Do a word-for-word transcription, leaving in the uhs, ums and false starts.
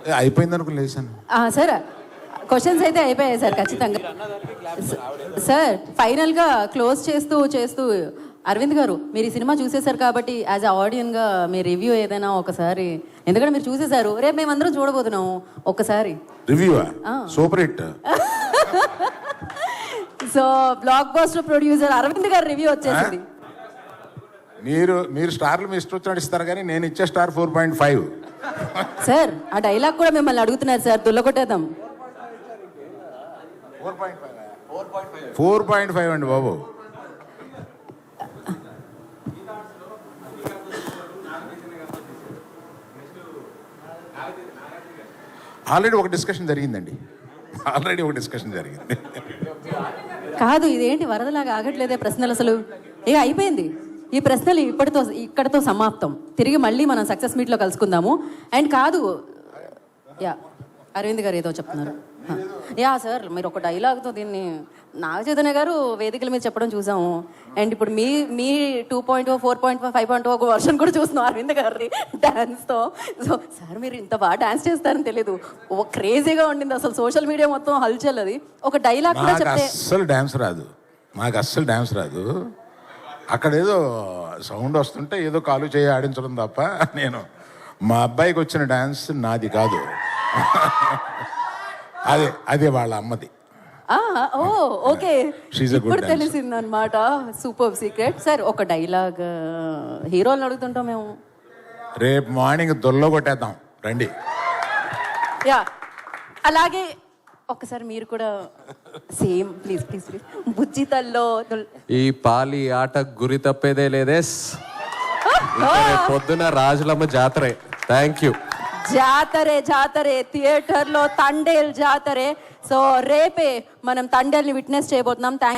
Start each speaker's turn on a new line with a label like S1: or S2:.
S1: అయిపోయింది అనుకుని లేసాను.
S2: Sir questions అయితే అయిపోయాయి సార్ ఖచ్చితంగా. సార్ ఫైనల్గా క్లోజ్ చేస్తూ చేస్తూ అరవింద్ గారు మీరు ఈ సినిమా చూసేశారు కాబట్టి యాజ్ అ ఆడియన్గా మీ రివ్యూ ఏదైనా ఒకసారి, ఎందుకంటే మీరు చూసేశారు, రేపు మేమందరం చూడబోతున్నాము ఒక్కసారి
S1: review. Super hit.
S2: So blockbuster producer Arvind గారు రివ్యూ వచ్చేసింది.
S1: మీరు మీరు స్టార్లు మీ ఇష్టం వచ్చినట్టు ఇస్తారు కానీ నేను ఇచ్చే star four point five.
S2: Sir ఆ డైలాగ్ కూడా మిమ్మల్ని అడుగుతున్నారు సార్, దుల్లకొట్టేద్దాం.
S1: ఫోర్ పాయింట్ ఫైవ్ అండి బాబు. ఆల్రెడీ ఒక డిస్కషన్ జరిగిందండి ఆల్రెడీ ఒక డిస్కషన్ జరిగింది.
S2: కాదు ఇదేంటి వరదలాగా ఆగట్లేదే ప్రశ్నలు అసలు. ఇక అయిపోయింది ఈ ప్రశ్నలు ఇప్పటితో ఇక్కడితో సమాప్తం. తిరిగి మళ్ళీ మనం సక్సెస్ మీట్లో కలుసుకుందాము. అండ్ కాదు యా అరవింద్ గారు ఏదో చెప్తున్నారు. యా సార్ మీరు ఒక డైలాగ్తో దీన్ని నాగ చైతన్య గారు వేదికల మీద చెప్పడం చూసాము. అండ్ ఇప్పుడు మీ మీ two point four point five point ఒక వర్షన్ కూడా చూస్తున్నాం అరవింద్ గారి డాన్స్తో. సో సార్ మీరు ఇంత బాగా డాన్స్ చేస్తారని తెలియదు, ఓ క్రేజీగా ఉండింది అసలు సోషల్ మీడియా మొత్తం హల్చల్. అది ఒక డైలాగ్ కూడా చెప్తే
S1: అస్సలు డాన్స్ రాదు, మాకు అస్సలు డాన్స్ రాదు. అక్కడ ఏదో సౌండ్ వస్తుంటే ఏదో కాలు చేయి ఆడించడం తప్ప నేను మా అబ్బాయికి వచ్చిన డాన్స్ నాది కాదు. అదే అదే వాళ్ళ అమ్మది.
S2: ఓ ఓకే ఇప్పుడు తెలిసింది అనమాట. Super secret. సార్ ఒక డైలాగ్ హీరోలను అడుగుతుంటాం మేము.
S1: రేపు మార్నింగ్ దొల్లో కొట్టేద్దాం రండి.
S2: యా అలాగే ఒక్కసారి మీరు కూడా సేమ్ ప్లీజ్ ప్లీజ్ ప్లీజ్ బుజ్జితల్లో
S3: ఈ పాలి ఆట గురి తప్పేదే లేదే. పొద్దున రాజులమ్మ జాతరే. Thank you.
S2: జాతరే జాతరే థియేటర్లో తండేల్ జాతరే. సో రేపే మనం తండేల్ని విట్నెస్ చేయబోతున్నాం. థ్యాంక్